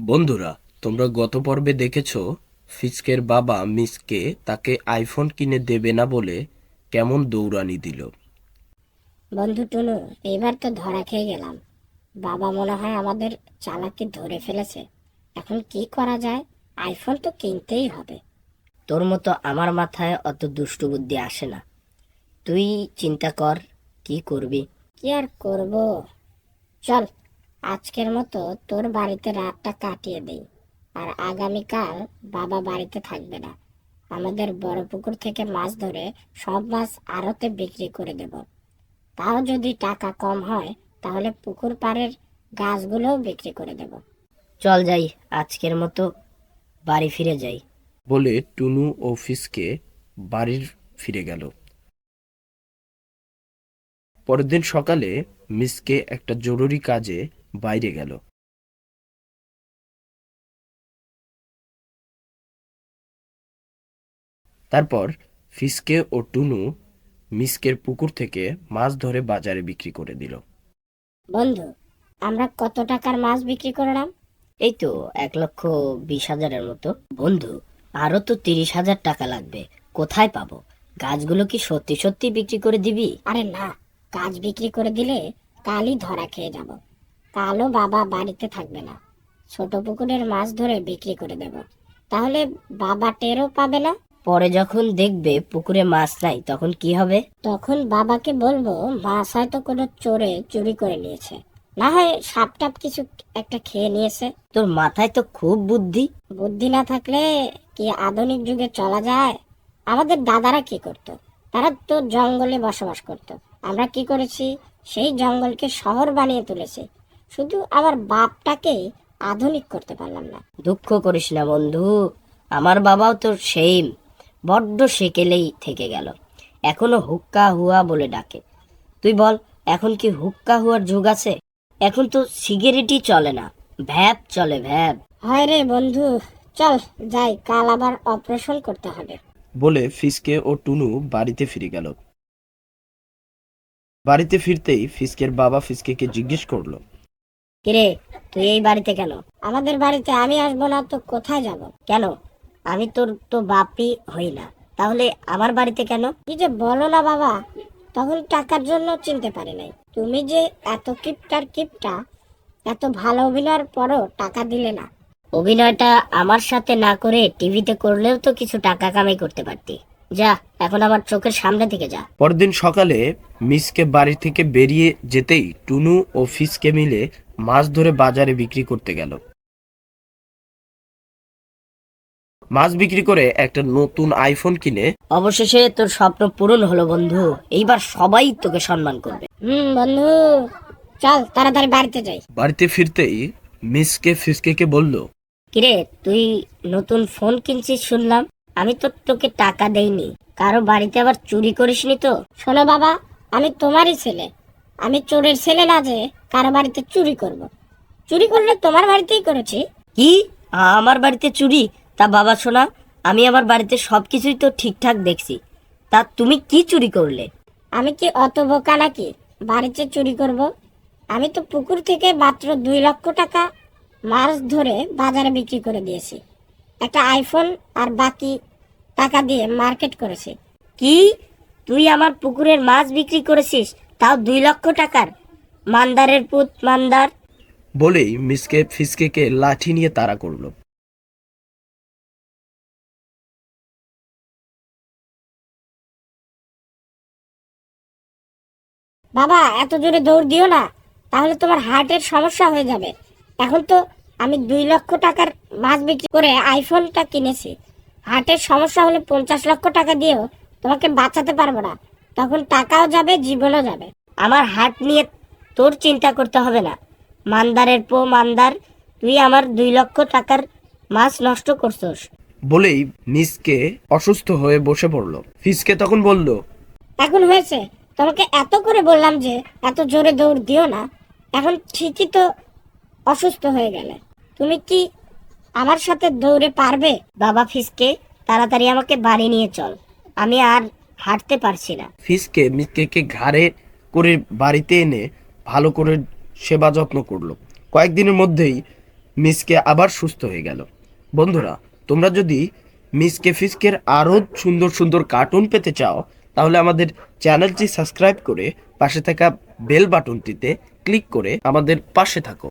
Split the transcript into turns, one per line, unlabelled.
বন্ধুরা, তোমরা গত পর্বে দেখেছো ফিসকের বাবা মিসকে তাকে আইফোন কিনে দেবে না বলে কেমন দৌড়ানি দিল।
বন্ধু টুনু, এবার তো ধরা খেয়ে গেলাম। বাবা মনে হয় আমাদের চালাকি ধরে ফেলেছে। এখন কি করা যায়? আইফোন তো কিনতেই হবে।
তোর মতো আমার মাথায় অত দুষ্টু বুদ্ধি আসে না। তুই চিন্তা কর কি করবি।
কি আর করব, চল আজকের মতো তোর বাড়িতে রাতটা কাটিয়ে দেই। আর আগামীকাল বাবা বাড়িতে থাকবে না। আমাদের বড় পুকুর থেকে মাছ ধরে সব মাছ আড়তে বিক্রি করে দেব। তাও যদি টাকা কম হয়, তাহলে পুকুর পাড়ের গাছগুলোও বিক্রি করে দেব।
চল যাই, আজকের মতো বাড়ি ফিরে যাই।
বলে টুনু ও ফিসকে বাড়ির ফিরে গেল। পরের দিন সকালে মিসকে একটা জরুরি কাজে বাইরে গেল। তারপর ফিসকে ও টুনু মিসকের পুকুর থেকে মাছ ধরে বাজারে বিক্রি করে দিল।
বন্ধু, আমরা কত টাকার মাছ বিক্রি করলাম?
এই তো 1,20,000-এর মতো। বন্ধু, আরো তো 30,000 টাকা লাগবে। কোথায় পাবো? গাছগুলো কি সত্যি সত্যি বিক্রি করে দিবি?
আরে না, গাছ বিক্রি করে দিলে কালই ধরা খেয়ে যাব। কালও বাবা বাড়িতে থাকবে না। ছোট পুকুরের মাছ ধরে বিক্রি করে দেব, তাহলে বাবা টেরও পাবে না।
পরে যখন দেখবে পুকুরে মাছ নাই, তখন কি হবে?
তখন বাবাকে বলবো মাছ হয়তো কোনো চোরে চুরি করে নিয়েছে, না হয় সাপ টাপ কিছু একটা খেয়ে নিয়েছে।
তোর মাথায় তো খুব বুদ্ধি।
বুদ্ধি না থাকলে কি আধুনিক যুগে চলা যায়? আমাদের দাদারা কি করত? তারা তো জঙ্গলে বসবাস করত। আমরা কি করেছি? সেই জঙ্গলকে শহর বানিয়ে তুলেছি। শুধু আমার বাপটাকে আধুনিক করতে পারলাম না।
দুঃখ করিস না বন্ধু, আমার বাবাও তো সেই বড্ড সেকেলেই থেকে গেল। এখনো হুক্কা হুয়া বলে ডাকে। তুই বল, এখন কি হুক্কা হুয়ার যুগ আছে? এখন তো সিগারেটই চলে না, ভ্যাপ চলে, ভ্যাপ।
হয় রে বন্ধু, চল যাই, কাল আবার অপারেশন করতে হবে।
বলে ফিসকে ও টুনু বাড়িতে ফিরে গেল। বাড়িতে ফিরতেই ফিসকের বাবা ফিসকেকে জিজ্ঞেস করলো,
কিরে, তুই এই বাড়িতে কেন?
আমাদের বাড়িতে আমি আসবো না তো কোথায় যাব?
কেন? আমি তোর তো বাপই হই না, তাহলে আমার বাড়িতে কেন?
কি যে বলো না বাবা, তখন টাকার জন্য চিনতে পারি নাই। তুমি যে এত কিপটার কিপটা, এত ভালো অভিনয়ের পরও টাকা দিলে না।
অভিনয়টা আমার সাথে না করে টিভিতে করলেও তো কিছু টাকা কামাই করতে পারতি। যা, এখন আমার চোখের সামনে থেকে যা।
পরের দিন সকালে মিসকে বাড়ি থেকে বেরিয়ে যেতেই টুনু ও ফিসকে মিলে মাছ ধরে বাজারে বিক্রি করতে গেল। মাছ বিক্রি করে একটা নতুন আইফোন কিনে
অবশেষে তোর স্বপ্ন পূরণ হলো বন্ধু, এইবার সবাই তোকে সম্মান করবে।
বন্ধু, চল তাড়াতাড়ি বাড়িতে যাই।
বাড়িতে ফিরতেই মিসকে ফিসকেকে বলল,
কিরে, তুই নতুন ফোন কিনছিস শুনলাম। আমি তো তোকে টাকা দেইনি। কারো বাড়িতে আবার চুরি করিসনি তো?
শোনো বাবা, আমি তোমারই ছেলে। আমি চোরের ছেলে না যে কারো বাড়িতে চুরি করব। চুরি করলে তোমার বাড়িতেই করেছি।
কি? আমার বাড়িতে চুরি? তা বাবা শোনা, আমি আমার বাড়িতে সবকিছুই তো ঠিকঠাক দেখছি। তা তুমি কি চুরি করলে?
আমি কি অত বোকা নাকি বাড়িতে চুরি করব? আমি তো পুকুর থেকে মাত্র 2 লক্ষ টাকা মাছ ধরে বাজারে বিক্রি করে দিয়েছি। একটা আইফোন আর বাকি টাকা দিয়ে মার্কেট করেছি।
কি? তুই আমার পুকুরের মাছ বিক্রি করেছিস, তাও 2 লক্ষ টাকার? মান্দারের পুত মান্দার!
বলেই মিসকে ফিসকেকে লাঠি নিয়ে তাড়া করলো।
বাবা, এত জোরে দৌড় দিও না, তাহলে তোমার হার্টের সমস্যা হয়ে যাবে। এখন তো আমি 2 লক্ষ টাকার মাছ বিক্রি করে আইফোনটা কিনেছি। হার্টের সমস্যা হলে 50 লক্ষ টাকা দিয়েও তোমাকে বাঁচাতে পারবো না। তখন টাকাও যাবে, জীবনও যাবে।
আমার হাট নিয়ে তোর চিন্তা করতে হবে না। মান্দারের পো মান্দার, তুই আমার 2 লক্ষ টাকার মাছ নষ্ট করছস।
বলেই মিসকে অসুস্থ হয়ে বসে পড়ল। ফিসকে তখন বলল,
এখন হয়েছে, তোমাকে এত করে বললাম যে এত জোরে দৌড় দিও না। এখন ঠিকই তো অসুস্থ হয়ে গেলে। তুমি কি আমার সাথে দৌড়ে পারবে?
বাবা ফিসকে, তাড়াতাড়ি আমাকে বাড়ি নিয়ে চল, আমি আর হাঁটতে পারছি না।
ফিসকে মিসকেকে ঘাড়ে করে বাড়িতে এনে ভালো করে সেবা যত্ন করলো। কয়েকদিনের মধ্যেই মিসকে আবার সুস্থ হয়ে গেল। বন্ধুরা, তোমরা যদি মিসকে ফিসকের আরও সুন্দর সুন্দর কার্টুন পেতে চাও তাহলে আমাদের চ্যানেলটি সাবস্ক্রাইব করে পাশে থাকা বেল বাটনটিতে ক্লিক করে আমাদের পাশে থাকো।